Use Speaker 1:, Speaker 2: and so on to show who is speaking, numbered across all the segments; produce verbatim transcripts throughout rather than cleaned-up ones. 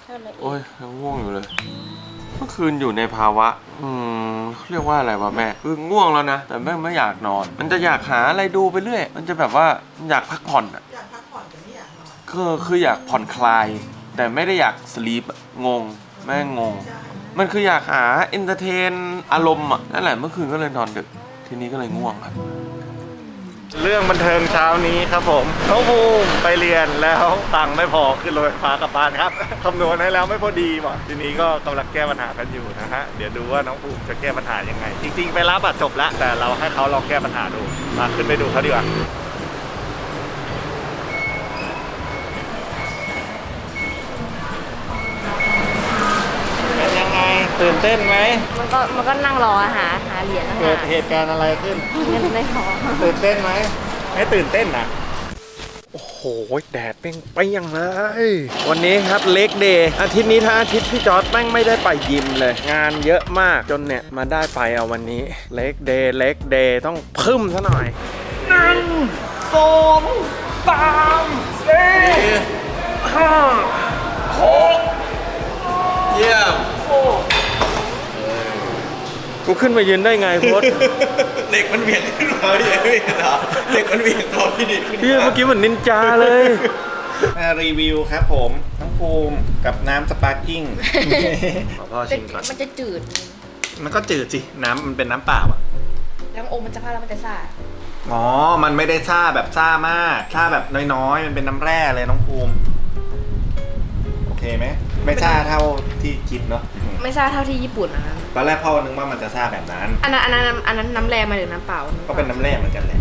Speaker 1: โอ้ยยังง่วงอยู่เลยเมื่อคืนอยู่ในภาวะอืมเขาเรียกว่าอะไรวะแม่คือง่วงแล้วนะแต่แม่ไม่อยากนอนมันจะอยากหาอะไรดูไปเรื่อยมันจะแบบว่าอยากพักผ่อนอ่ะอยากพักผ่อนแต่ไม่อยากนอนคือคืออยากผ่อนคลายแต่ไม่ได้อยากสลีปงงแม่งงมันคืออยากหาเอนเตอร์เทนอารมณ์อ่ะนั่นแหละเมื่อคืนก็เลยนอนดึกทีนี้ก็เลยง่วงครับเรื่องบันเทิงเช้านี้ครับผมน้องภูมิไปเรียนแล้วตังค์ไม่พอขึ้นรถไฟฟ้ากลับบ้านครับคำนวณให้แล้วไม่พอดีว่ะทีนี้ก็กำลังแก้ปัญหากันอยู่นะฮะเดี๋ยวดูว่าน้องภูมิจะแก้ปัญหายังไงจริงๆไปรับบัตรจบแล้วแต่เราให้เขาลองแก้ปัญหาดูมาขึ้นไปดูเขาดีกว่าเป็นยังไงตื่นเต้นไหม
Speaker 2: มันก็มันก็นั่งรอหาหาเหรียญเ
Speaker 1: กิดเหตุการณ์อะไรขึ้น
Speaker 2: เงินในท้อง
Speaker 1: ตื่นเต้นไหมไม่ตื่นเต้นนะโอ้โหแดดเปรี้ยงเปรี้ยงเลยวันนี้ครับเล็กเดย์อาทิตย์นี้ถ้าอาทิตย์พี่จอร์ดแม่งไม่ได้ไปยิมเลยงานเยอะมากจนเนี่ยมาได้ไปเอาวันนี้เล็กเดย์เล็กเดย์ต้องพึ่มซะหน่อยหนึ่งสองสามสี่ห้าหกเยี่ยมกูขึ้นมายืนได้ไงโพส
Speaker 3: เด็กมันเบี่ยงขึ้นมาพี่ไม่เห็นเหรอเด็กมันเบี่ยงตัวพี่ดิขึ้น
Speaker 1: พี่เมื่อกี้เหมือนนินจาเลย
Speaker 3: มารีวิวครับผมน้ำภูมิกับน้ำสปาร์กิ้งขอพ่อชิมก่อน
Speaker 2: มันจะจืด
Speaker 3: มันก็จืดสิน้ำมันเป็นน้ำเปล่าอะ
Speaker 2: แล้วอมมันจะพาแล้วมันจะซ่า
Speaker 3: อ๋อมันไม่ได้ซ่าแบบซ่ามากซ่าแบบน้อยๆมันเป็นน้ำแร่เลยน้องภูมิโอเคไหมไม่ซ่าเท่าที่คิดเนาะ
Speaker 2: ไม่ซ่าเท่าที่ญี่ปุ่นนะ
Speaker 3: ตอนแรกพ่อนึกว่ามันจะซ่าแบบนั้น
Speaker 2: อันนั้นอันนั้นอันนั้นน้ำแร่มาหรือน้ำเปล่า
Speaker 3: ก็เป็นน้ำแร่เหมือนกันแหละ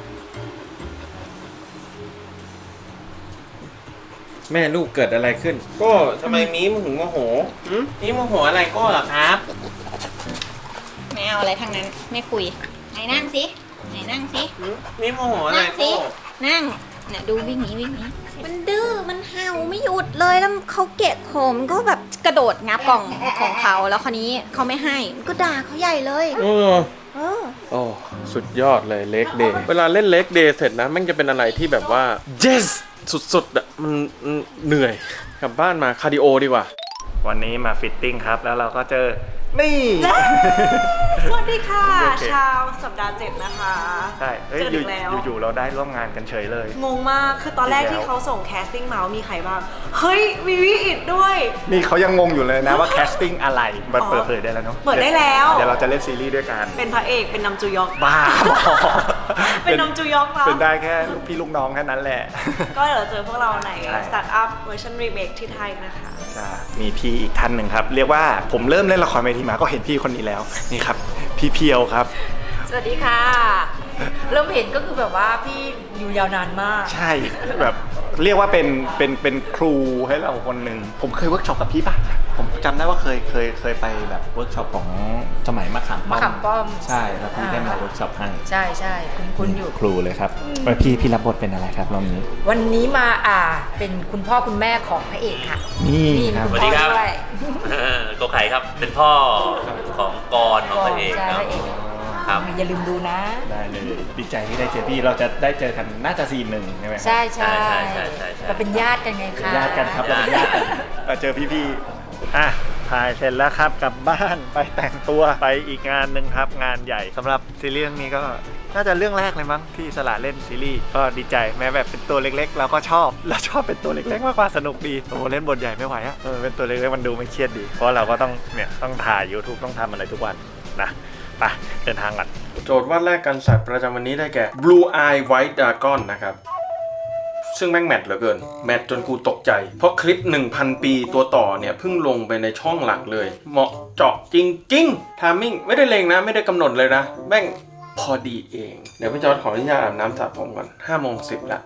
Speaker 1: แม่ลูกเกิดอะไรขึ้นก็ทำไมมีมึงถึงโมโหมีโมโหอะไรก็เหรอครับ
Speaker 2: ไม่เอาอะไรทั้งนั้นไม่คุยไหนนั่งสิไหนนั่งสิ
Speaker 1: มีโมโหอะไรก็
Speaker 2: นั่งเนี่ยดูวิ่งหนีวิ่งหนีมันดื้อมันเห่าไม่หยุดเลยแล้วเขาเกะโขมก็แบบกระโดดงับกล่องของเขาแล้วคราวนี้เขาไม่ให้ก็ด่าเขาใหญ่เลย
Speaker 1: เออเออโอ้สุดยอดเลยเล็กเดย์เวลาเล่นเล็กเดย์เสร็จนะมันจะเป็นอะไรที่แบบว่า yes สุดๆอ่ะมันเหนื่อยกลับบ้านมาคาร์ดิโอดีกว่าวันนี้มาฟิตติ้งครับแล้วเราก็เจอนี่
Speaker 4: สวัสดีค่ะชาวสัปดาห์เจ็ดนะคะ
Speaker 1: ใช่เจออีกแล้วอยู่ๆเราได้ร่วมงานกันเฉยเลย
Speaker 4: งงมากคือตอนแรกที่เขาส่งแคสติ้งมาว่ามีใครบ้างเฮ้ยมีวิอิดด้วย
Speaker 3: นี่เขายังงงอยู่เลยนะว่าแคสติ้งอะไรมันเปิดเผยได้แล้วเนาะ
Speaker 4: เปิดได้แล้ว
Speaker 3: เดี๋ยวเราจะเล่นซีรีส์ด้วยกัน
Speaker 4: เป็นพระเอกเป็นนำจูยอก
Speaker 3: บ้า
Speaker 4: เป็นนำจูยอก
Speaker 3: เป็นได้แค่ลูกพี่ลูกน้องแค่นั้นแหละ
Speaker 4: ก็เดี๋ยวเจอพวกเราในสตาร์ทอัพเวอร์ชันรีเมคที่ไทยนะคะ
Speaker 3: มีพี่อีกท่านหนึ่งครับเรียกว่าผมเริ่มเล่นละครเวทีมาก็เห็นพี่คนนี้แล้วนี่ครับพี่เพียวครับ
Speaker 4: สวัสดีค่ะเริ่มเห็นก็คือแบบว่าพี่อยู่ยาวนานมาก
Speaker 3: ใช่แบบเรียกว่าเป็นเป็นเป็นครูให้เราคนหนึ่งผมเคยเวิร์กช็อปกับพี่ป่ะผมจำได้ว่าเคยเคยเคยไปแบบเวิร์กช็อปของสมัยมะขามป้อม
Speaker 4: มะขามป้อม
Speaker 3: ใช่แล้วพี่ได้มาเวิร์กช็อปให้
Speaker 4: ใช่ใช่คุณคุณอยู่
Speaker 3: ครูเลยครับแล้วพี่พี่รับบทเป็นอะไรครับรอบนี้
Speaker 4: วันนี้มาอ่าเป็นคุณพ่อคุณแม่ของพระเอกค่ะ
Speaker 3: นี่
Speaker 4: ครับ
Speaker 5: สวัสดีครับโกไข่ครับเป็นพ่อของกรของพระเอกครับ
Speaker 4: ครับอย่าลืมดูนะ
Speaker 3: ได้เลยดีใจที่ได้เจอพี่เราจะได้เจอกันน่าจะซีนหนึ่งใช่ไหม
Speaker 4: ใช่ใช่ใช่ใช่ใช่เราเป็นญาติกันไงคะ
Speaker 3: ญาติกันครับเราเป็นญาติกันมาเจอพี่ๆอ่ะถ่ายเสร็จแล้วครับกลับบ้านไปแต่งตัวไปอีกงานหนึ่งครับงานใหญ่สำหรับซีรีส์เรื่องนี้ก็น่าจะเรื่องแรกเลยมั้งที่สละเล่นซีรีส์ก็ดีใจแม้แบบเป็นตัวเล็กๆเราก็ชอบเราชอบเป็นตัวเล็กๆมากกว่าสนุกดีโอ้เล่นบทใหญ่ไม่ไหวอะเออเป็นตัวเล็กๆมันดูไม่เครียดดีเพราะเราก็ต้องเนี่ยต้องถ่าย YouTube ต้องทำอะไรทุกวันนะไปเดินทางก่อนโจทย์วาดแรกกันสัตว์ประจำวันนี้ได้แก่ Blue Eye White Dragon นะครับซึ่งแม่งแมทเหลือเกินแมทจนกูตกใจเพราะคลิป หนึ่งพัน ปีตัวต่อเนี่ยเพิ่งลงไปในช่องหลักเลยเหมาะเจาะจริงๆทามมิ่งไม่ได้เลงนะไม่ได้กำหนดเลยนะแม่งพอดีเองเดี๋ยวพี่จอร์จขออนุญาตอาบน้ำสระผมก่อนห้าโมงสิบละ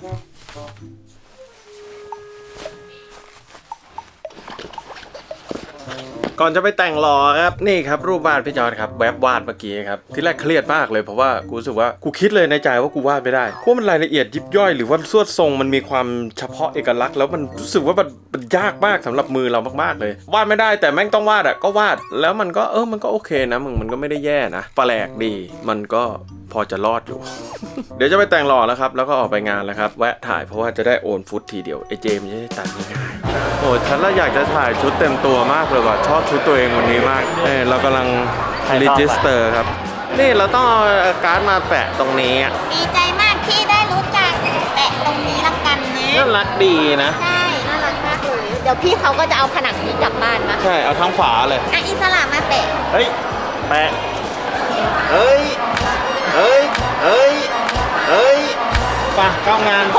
Speaker 3: ก่อนจะไปแต่งหล่อครับนี่ครับรูปวาดพี่จอร์จครับแวบวาดเมื่อกี้ครับที่แรกเครียดมากเลยเพราะว่ากูรู้สึกว่ากูคิดเลยในใจว่ากูวาดไม่ได้เพราะมันรายละเอียดยิบย่อยหรือว่าสวดทรงมันมีความเฉพาะเอกลักษณ์แล้วมันรู้สึกว่ามันมันยากมากสำหรับมือเรามากๆเลยวาดไม่ได้แต่แม่งต้องวาดอ่ะก็วาดแล้วมันก็เออมันก็โอเคนะมึงมันก็ไม่ได้แย่นะแปลกดีมันก็
Speaker 1: พอจะรอดอยู่ เดี๋ยวจะไปแต่งหล่อแล้วครับแล้วก็ออกไปงานแล้วครับแวะถ่ายเพราะว่าจะได้โอนฟุตทีเดียวไอเจมจะได้ตัดง่ายๆโอ้ฉันละอยากจะถ่ายชุดเต็มตัวมากเลยว่ะชอบชุดตัวเองวันนี้มากเออเรากำลังรีจิสเตอร์ครับนี่เราต้องเอาการ์ดมาแปะตรงนี้อ่ะ
Speaker 2: ดีใจมากที่ได้รู้จักแปะตรงนี้ละกันนะ
Speaker 1: น่ารักดีนะ
Speaker 2: ใช่น่ารักมากเลยเดี๋ยวพี่เขาก็จะเอาผนังนี้กลับบ้านมา
Speaker 1: ใช่เอาทั้งฝาเลย
Speaker 2: อ่ะอิสระมาแปะ
Speaker 3: เฮ้ยแปะเฮ้ยเฮ้ยเฮ้ยเฮ้ยไปเข้างาน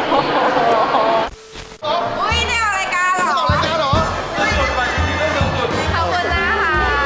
Speaker 4: อุ้ยได้ออกรายการเหรอออกรายการเหรอขอบคุณนะคะ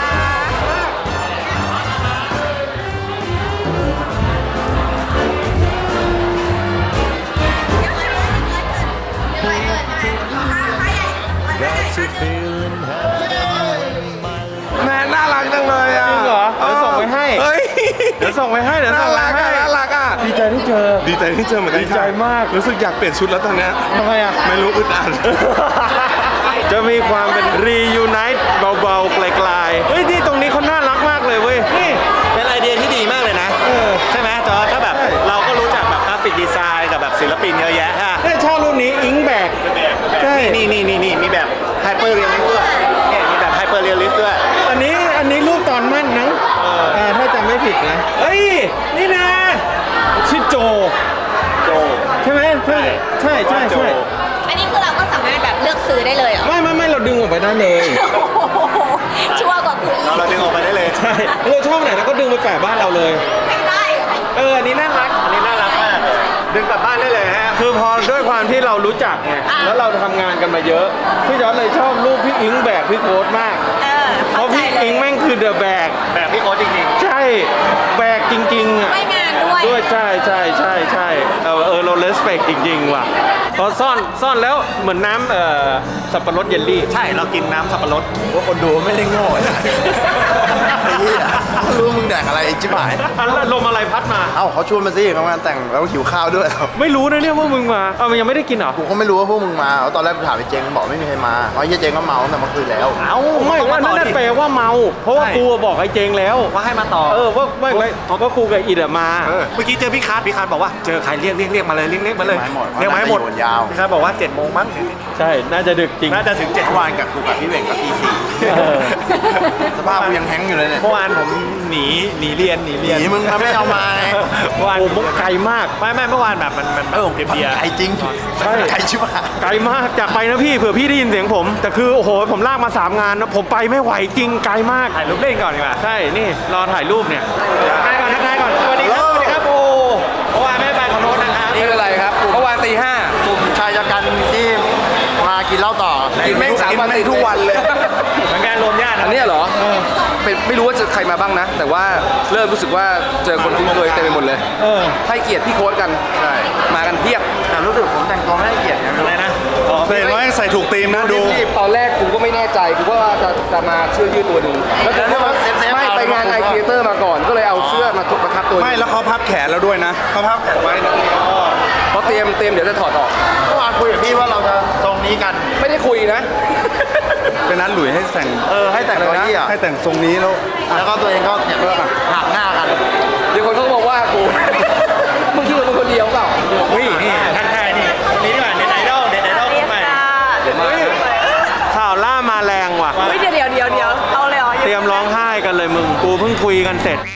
Speaker 1: แม่น่ารักจังเลยอ่ะจริงเหรอเดี๋ยวส่งไปให้เฮ้ยเดี๋ยวส่งไปให้เดี๋ยวส่งไปให้น่ารักอ่ะดีใจที่เจอดีใจที่เจอเหมือนกันดีใจมากรู้สึกอยากเปลี่ยนชุดแล้วตอนเนี้ยทำไมอ่ะไม่รู้อึดอัด จะมีความเป็นรียูไนต์เบาๆไกลๆเฮ้ยที่ตรงนี้เขาน่ารักมากเลยเว้ยนี่
Speaker 3: เป็นไอเดียที่ดีมากเลยนะใช่ไหมจอถ้าแบบเราก็รู้จักแบบกราฟิกดีไซน์กับแบบศิลปินเยอะแยะฮะ
Speaker 1: เนี่ยชอบรุ่นนี้อิงแบกใช่
Speaker 3: นี่นี่นี่นี่มีแบบไฮเปอร์เรียลลิสต์ด้วยเนี่ยมีแบบไฮเปอร์เรียลลิสต์ด้วย
Speaker 1: อันนี้อันนี้รูปตอนมั่นนังอ่าถ้าจำไม่ผิดนะเฮ้ยนี่นะชื่อโจ
Speaker 3: โจ
Speaker 1: ใช่ไหมใช่ใช่ใช่ใช่
Speaker 2: อันนี้คือเราก็สามารถแบบเลือกซื้อได้เลยเหรอ
Speaker 1: ไม่ไม่ไม่เราดึงออกไปได้เลย
Speaker 2: ชัวร์กว่าคุย
Speaker 3: เราเราดึงออกไปได้เลย
Speaker 1: ใช่เราชอบไหนเราก็ดึงไปแปะบ้านเราเลย
Speaker 2: ไม่ได้เหรอ
Speaker 1: เอออันนี้น่ารัก
Speaker 3: อันนี้น่ารักมากดึงกลับบ้านได้เลยฮะ
Speaker 1: คือพอด้วยความที่เรารู้จักไงแล้วเราทำงานกันมาเยอะพี่จอร์จเลยชอบรูปพี่อิงแบกพี่โค้ดมาก
Speaker 2: เออ
Speaker 1: เพ
Speaker 2: เข้า
Speaker 1: ราะ
Speaker 2: ใจ
Speaker 1: พี่
Speaker 2: เล
Speaker 1: อิ
Speaker 2: ย
Speaker 1: งแม่งคือเดอะแบก
Speaker 3: แบบพี่โค้ดจริง
Speaker 1: ใช่แบกจริงๆอ่ะ
Speaker 2: ไม่งานด้วย
Speaker 1: ด้วยใช่ใช่ใช่ใช่เออเออเราเลสเปกจริงๆว่ะพอซ่อนซ่อนแล้วเหมือนน้ำเอ่อสับปะรดเยลลี่
Speaker 3: ๆ ใช่เรากินน้ำสับปะรด
Speaker 6: ว่าคนดูไม่ได้โง่นะไอ้เหี้ยรู้มึงแดกอะไรไอ้จิ๋หาย
Speaker 1: อันละลมอะไรพัดมา
Speaker 6: เอ้าเขาชวนมาสิเขางานแต่งแล้วหิวข้าวด้วย
Speaker 1: ไม่รู้นะเนี่ยว่ามึงมาเอามันยังไม่ได้กินเหรอ
Speaker 6: กูก็ไม่รู้ว่าพวกมึงมาตอนแรกกูถามไอ้เจงบอกไม่มีใครมาเพราะไอ้เจงก็เมาตั้งแต่เมื่อคืนแล้ว
Speaker 3: เอ้า
Speaker 1: ไม่
Speaker 3: ต้อง
Speaker 1: ว่า
Speaker 3: มาต่
Speaker 1: นั่
Speaker 3: อน ดิ
Speaker 1: แปลว่าเมา เพราะว่า
Speaker 3: ใช่
Speaker 1: กูบอกไอ้เจงแล้ว
Speaker 3: ว่าให้มาต่อ
Speaker 1: เออว่าไม่ไม่ว่ากูกับอิดอะมา
Speaker 3: เออเมื่อกี้เจอพี่คาร์ดพี่คาร์ดบอกว่าเจอใครเรียกเรียกเรียกมาเลยเรียกเรียกมาเลย
Speaker 6: เรียกมาให้หมด
Speaker 3: เรียกมาให้หมด
Speaker 6: ยาว
Speaker 3: พี่คาร์ดบอกว่าเจ็ดโมงมั้ง
Speaker 1: ใช่น่าจะดึกจริง
Speaker 3: น่าจะถึงเจ็ด
Speaker 6: เมื่อวานกับกูกับพี่เวงกับพี่สี่
Speaker 1: เออ
Speaker 6: สภาพกูยังแฮงก์อยู่เลยเนี่ย
Speaker 3: เมื่อวานผมหนีหนีเรียนหนี
Speaker 6: ห
Speaker 3: เรียน
Speaker 6: นีมึงมาไม่เอามาไง
Speaker 3: เมื่อวาน
Speaker 1: โอ้มุกไกลมาก
Speaker 3: ไม่ไม่เมื่อวานแบบมันมัน
Speaker 6: เออ
Speaker 3: เพียเพีย
Speaker 6: ไก่จริง
Speaker 1: ใช่
Speaker 6: ไก่ชิบหาย
Speaker 1: ไกลมากจากไปนะพี่เผื่อพี่ได้ยินเสียงผม แต่คือโอ้โหผมลากมาสามงานนะผมไปไม่ไหวจริงไกลมาก
Speaker 3: ถ่ายรูปเล่นก่อนดีกว่า
Speaker 1: ใช่นี่รอถ่ายรูปเนี่ย
Speaker 3: ทักทายก่อนทักทายก่อนสวัสดีครับสวัสดีครับโอ้เมื่อวานไม่ได้ไปขอโทษนะครับ
Speaker 6: นี่คืออะไรครับเมื่อวานตีห้ากลุ่มชายชะกันที่มากินเหล้าต่อกินแม่งสามวันติดทุกวันเลย
Speaker 3: เหมือนกันรวมญาตินะ
Speaker 7: อันเนี้ยเหรอเป็นไม่รู้ว่าจะใครมาบ้างนะ แต่ว่าเริ่มรู้สึกว่าเจอคนคุ้นเคยเต็มไปหมดเลย
Speaker 1: เออ
Speaker 7: ให้เกียรติพี่โค้ดกัน
Speaker 6: ใช่
Speaker 7: มากันเพียบ
Speaker 6: แต่รู้สึกผมแต่งตัวไม่ให้เกียรตินะ
Speaker 3: อะไรนะอ๋อ
Speaker 6: เห็นว่าใส่ถูกธีมนะดู
Speaker 7: รีบๆตอนแรกกูก็ไม่แน่ใจกูก็ว่าจะจะมาเสื้อยืดตัวหนึ่งแล้วกูก็ว่า
Speaker 6: เซฟๆ
Speaker 7: ไม่
Speaker 6: เอา
Speaker 7: ไปงานไอเ e เตอร์มาก่อน ก็เลยเอาเสื้อมาทุกประทับตัวหนึ่ง
Speaker 6: ไม่แล้วเขาพับแขนแล้วด้วยนะเขาพับแขนไว้นะ
Speaker 7: เพราะเตรียมเตรียมเดี๋ยวจะถอดออก
Speaker 6: เมื่อวานคุยกับพี่ว่าเราจะทรงนี้กัน
Speaker 7: ไม่ได้คุยนะ
Speaker 6: เป็นนั้นหลุยให้แต่งเออให้แต่งอะไรนะให้แต่งทรงนี้แล้วแล้วก็ตัวเองก็เนี่ยหักหน้ากัน
Speaker 7: เดี๋ยวคนเขาก็บอกว่ากู มึงคิดว่ามึงคนเดียวเปล่า
Speaker 3: นี่นี่ทักทายนี่คนนี้ดีกว่าเน็ตไอดอลเน็ตไอดอลคนใหม่
Speaker 1: เฮ้ยข่าวล่ามาแรงว่ะ
Speaker 4: เฮ้ยเดี๋ยวเดี๋ยวเดี๋ยวเดี๋ยวเอาเลยเหรอ
Speaker 1: เตรียมร้องไห้กันเลยมึงกูเพิ่งคุยกันเสร็จ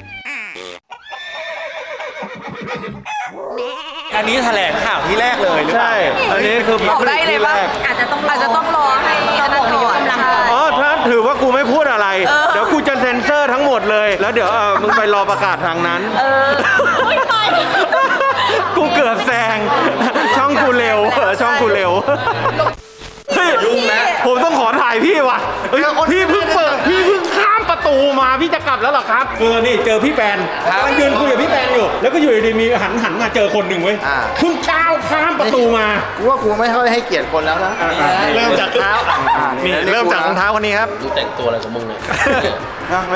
Speaker 3: อันนี้แถลงข่าวที่แรกเลยหรือเปล่า
Speaker 1: ใช่ อันนี้คือ
Speaker 4: บอกได้เลยว่า
Speaker 1: ที่แรก
Speaker 2: อาจจะต้อง
Speaker 4: อาจจะต้องรอให้อันนั้นก่อนใช่
Speaker 1: อ๋อถ้าถือว่ากูไม่พูดอะไร เดี๋ยวกูจะเซ็นเซอร์ทั้งหมดเลย แล้วเดี๋ยวเออมึงไปรอประกาศทางนั้น
Speaker 4: เออไม่ไป
Speaker 1: กูเกือบแซง ช่องกูเร็วเออช่องกูเร็วเฮ้ยผมต้องขอถ่ายพี่ว่ะเฮ้ยพี่เพิ่งเปิดพี่เพิ่งข้ามประตูมาพี่จะกลับแล้วเหรอครับเออนี่เจอพี่แปนกำลังยืนคุยกับพี่แปนอยู่ แล้วก็อยู่ดีๆมีหันหันมาเจอคนหนึ่งเว้ย
Speaker 6: อ่า
Speaker 1: เพิ่งก้าวข้ามประตูมา
Speaker 6: กูว่ากูไม่ค่อยให้เกียรติคนแล้วนะ
Speaker 3: เริ่มจากเท้า
Speaker 6: อ่า
Speaker 3: นี่เริ่มจากรองเท้าคนนี้ครับ
Speaker 5: ดูแต่งตัวอะไรของมึงเนี่ย
Speaker 6: นะมัน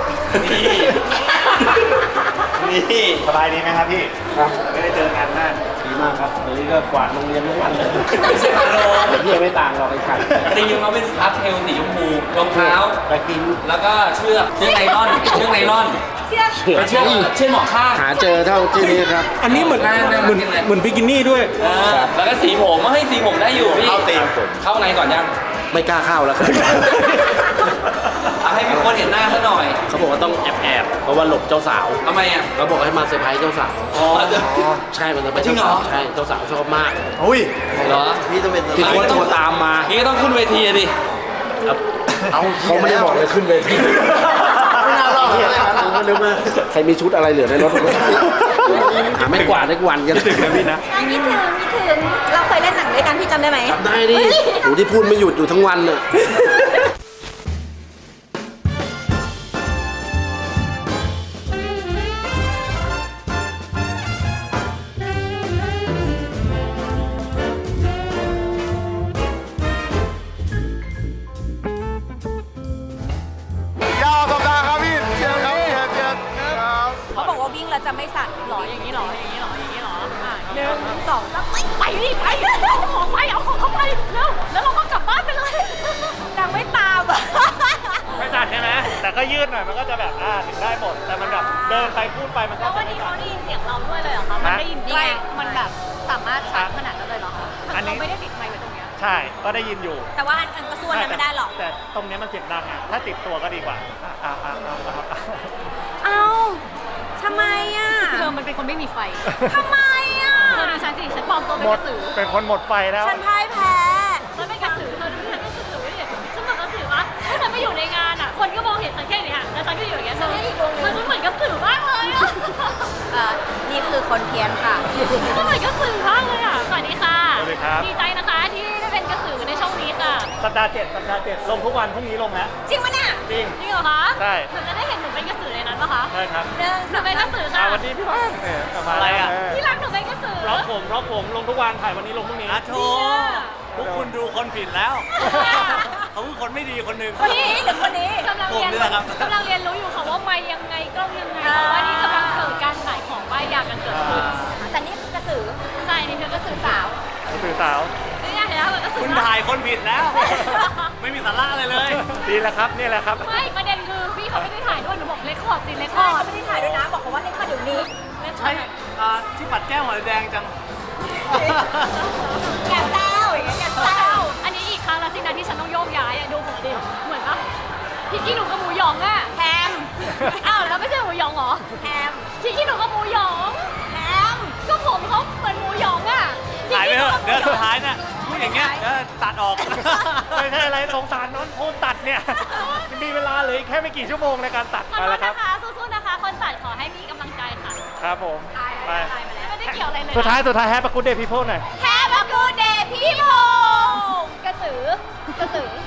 Speaker 3: นี่สบายดีไหมครับพี่ไม่ได้เจอกันนาน
Speaker 1: ดีมากครับวันนี้ก็กวาดโรงเรียนทุกวันเลย
Speaker 5: ไม่ใช่พาโล
Speaker 1: พี่ไม่ต่างหรอกไอ้ขัน
Speaker 5: ตีมเขาเป็นอัพเทลสีชมพูรองเท้า
Speaker 1: ไปกิน
Speaker 5: แล้วก็เชือกเชือกไนลอนเชือกไนลอน
Speaker 4: เชือก
Speaker 7: เชื่อเชื่อหมอข้าง
Speaker 6: หาเจอเท่าที่นี้ครับ
Speaker 1: อันนี้เหมือนเหมือนเหมือนบิกินี่ด้วย
Speaker 7: แล้วก็สีผมมาให้สีผมได้อยู่พี่เข้าตีมเข้าไงก่อนยัง
Speaker 6: ไม่กล้าเข้าแล้วครับ
Speaker 7: เอาให้มีคนเห็นหน้าซะหน่อย
Speaker 6: เขาบอกว่าต้องแอบแอบๆเพราะว่าหลบเจ้าสาว
Speaker 7: ทำไมอ่ะ
Speaker 6: เขาบอกให้มาเซอร์ไพรส์เจ้าสาว
Speaker 7: อ๋อ
Speaker 6: ใช่มันจะเป็น
Speaker 7: จริ
Speaker 6: เจ้าง
Speaker 7: เหร
Speaker 6: สา
Speaker 7: อ
Speaker 6: วใช่เจ้าสาวชอบมาก
Speaker 3: อุ้ย
Speaker 7: เหรอ
Speaker 6: พี่ต้องเป็นพี่โค้ชโทรตามมา
Speaker 7: นี่ก็ต้องขึ้นเวทีอะดิ
Speaker 6: เอาเขาไม่ได้บอกเลยขึ้นเวทีไม่น่ารอดเลยนะผมนึกว่าใครมีชุดอะไรเหลือในรถหาไม่กวาดได้วันกันถึงนะพี่นะ
Speaker 2: อันนี้ถึงนี่ถึงเราเคยเล่นหนังด้วยกันพี่จำได้ไหม
Speaker 6: ได้ดิหนูที่พูดไม่หยุดอยู่ทั้งวันน่ะ
Speaker 4: เขาบอกว่าวิ่งแล้วจะไม่สั่นหรออย่างนี้หรออย่างนี้หรออย่างนี้หรออ่ะหนึ่งสองสามไปดิไปเอาของไปเอาของเข้าไปแล้วแล้วเราก็กลับบ้านไปเลยนางไม่ตามอ่ะ
Speaker 3: ไม่จัดใช่ไหมแต่ก็ยืดหน่อยมันก็จะแบบอ่าถึงได้หมดแต่มันแบบเดินไปพูดไปมันก็
Speaker 4: แล้ว
Speaker 3: จะ
Speaker 4: วัน
Speaker 3: ไม่
Speaker 4: นี้
Speaker 3: จั
Speaker 4: เขา
Speaker 3: ด
Speaker 4: ได้ยินเสียงเราด้วยเลยเหรอคะมันได้ยินใกล้มันแบบสามารถชัดขนาดนั้นเลยเหรอคะเราไม่ได้ติดไมค์ไว้ตรงเนี้ย
Speaker 3: ใช่ก็ได้ยินอยู่
Speaker 4: แต่ว่าอันอันกระส่วนนั้นไม่ได้หรอก
Speaker 3: แต่ตรงเนี้ยมันเสียงดังอ่ะถ้าติดตัวก็ดีกว่าอ่าอ่าอ่าอ่าอ่า
Speaker 2: เอาทำไมอ่ะ
Speaker 4: เธอมันเป็นคนไม่มีไฟ
Speaker 2: ทำไมอ่ะ
Speaker 4: เธอดูฉันสิฉันปลอมตัวเป็น
Speaker 3: หม
Speaker 4: ก
Speaker 3: ด
Speaker 4: ระสือ
Speaker 3: เป็นคนหมดไฟแล้ว
Speaker 2: ฉันพ่ายแพ้
Speaker 4: ฉันเป็นกระสือเธอดูฉันกระสือดิฉันเหมือนกระสือวะถ้าฉันไปอยู่ในงานอ่ะคนก็มองเห็นฉันแค่นี้ค่ะแล้วฉันก็อยู่อย่างเงี้ยฉันมันเหมือนกระสือมากเลยอ่ะ
Speaker 2: เอ่อนี่คือคนเพี้ยนค่ะ
Speaker 4: ก็เหมือนกระสือมากเลยอ่ะสวัสดีค่ะ
Speaker 3: สวัสดีครับ
Speaker 4: ดีใจนะคะที่ได้เป็นกระสือในช่องนี้ค่ะ
Speaker 3: สัปดาห์เจ็ดสัปดาห์เจ็ดลงทุกวันพรุ่งนี้ลงแล้ว
Speaker 4: จริงปะเนี่ย
Speaker 3: จริง
Speaker 4: จริงเหรอคะ
Speaker 3: ใช่
Speaker 4: หนูจะได้เห็นหนูเป็นกระสือในนั้นปะคะ
Speaker 3: ใช่ครับ
Speaker 4: หนึ่งหนูเป็นกระสือ
Speaker 3: อ่า
Speaker 4: ค่ะ
Speaker 3: วันนี้พี่ว่างเนี่ยกลับมาอะไรอ่ะ
Speaker 4: ที่รักหนูเป็นกระสือ
Speaker 3: ร็อกผมร็อกผมลงทุกวันถ่ายวันนี้ลงพรุ่งนี้
Speaker 4: โธ่
Speaker 3: พวกคุณดูคนผิดแล้ว เขาคือคนไม่ดีคนหนึ่ง
Speaker 4: คนนี้หรือคนนี้กำลัง
Speaker 3: ผม
Speaker 4: เรียน
Speaker 3: นี่แหละครับ
Speaker 4: กำลังเรียนรู้อยู่ค่ะว่าไม่ยังไงกล้องยังไงเพราะว่านี่กำลังเกิดการขายของป้ายยากันเกิดขึ้น
Speaker 2: แต่นี่คือกระสือ
Speaker 4: ใช่นี่คือกระสือสาว
Speaker 3: สื่อสาว
Speaker 4: นี่ไงเห็นไหมกระสือ
Speaker 3: คุณถ่ายคนผิดแล้ว ไม่มีสาระอะไรเลย ดีแล้วครับนี่แหละครับ
Speaker 4: ไม่ประเด็นคือพี่เขาไม่ได้ถ่ายด้วยหนูบอกเลคคอร์ดสิเลคค
Speaker 2: ใช่
Speaker 4: อร์
Speaker 2: เขา
Speaker 4: ด
Speaker 2: ไม่ได้ถ่ายด้วยนะ บอกเขาว่าเล่นค่ะเดี๋ยวนี้
Speaker 3: ใช่ที่ปัดแก้วหอยแดงจัง
Speaker 2: อย่าแซวอย่างเงี้ยอย่าแซว
Speaker 4: อันนี้อีกครั้งแล้วสินะที่ฉันต้องโยกย้ายอะดูผมดิเหมือนปะพี่กี้หนูกับหมูหยองอะแฮมอ้าวแล้วไม่ใช่หมูหยองเหรอแฮมพี่กี้หนูกับหมูหยองแฮมก็ผมเขาเหมือนหมูหยองอะ
Speaker 3: ถ่ายไปเถอะเดี๋ยวสุดท้ายน่ะพูดอย่างเงี้ยเดี๋ยวตัดออก ไม่ใช่อะไรสงสารน้องโคนตัดเนี่ยมีเวลาเหลยแค่ไม่กี่ชั่วโมงในการตัด
Speaker 4: ขอ
Speaker 3: ไป
Speaker 4: โท
Speaker 3: แล้
Speaker 4: ษ
Speaker 3: วครับ
Speaker 4: นะคะสู้ๆนะคะ คนตัดขอให้มีกำลังใจค่ะ
Speaker 3: ครับผม ไป
Speaker 4: ไม่ได้เกี่ยวอะไรเลย
Speaker 3: สุดท้ายสุดท้ายแฮปปี้กูเดย์พีโพหน่อย
Speaker 4: แฮปปี้กูเดย์พี่พงกระสือกระสือ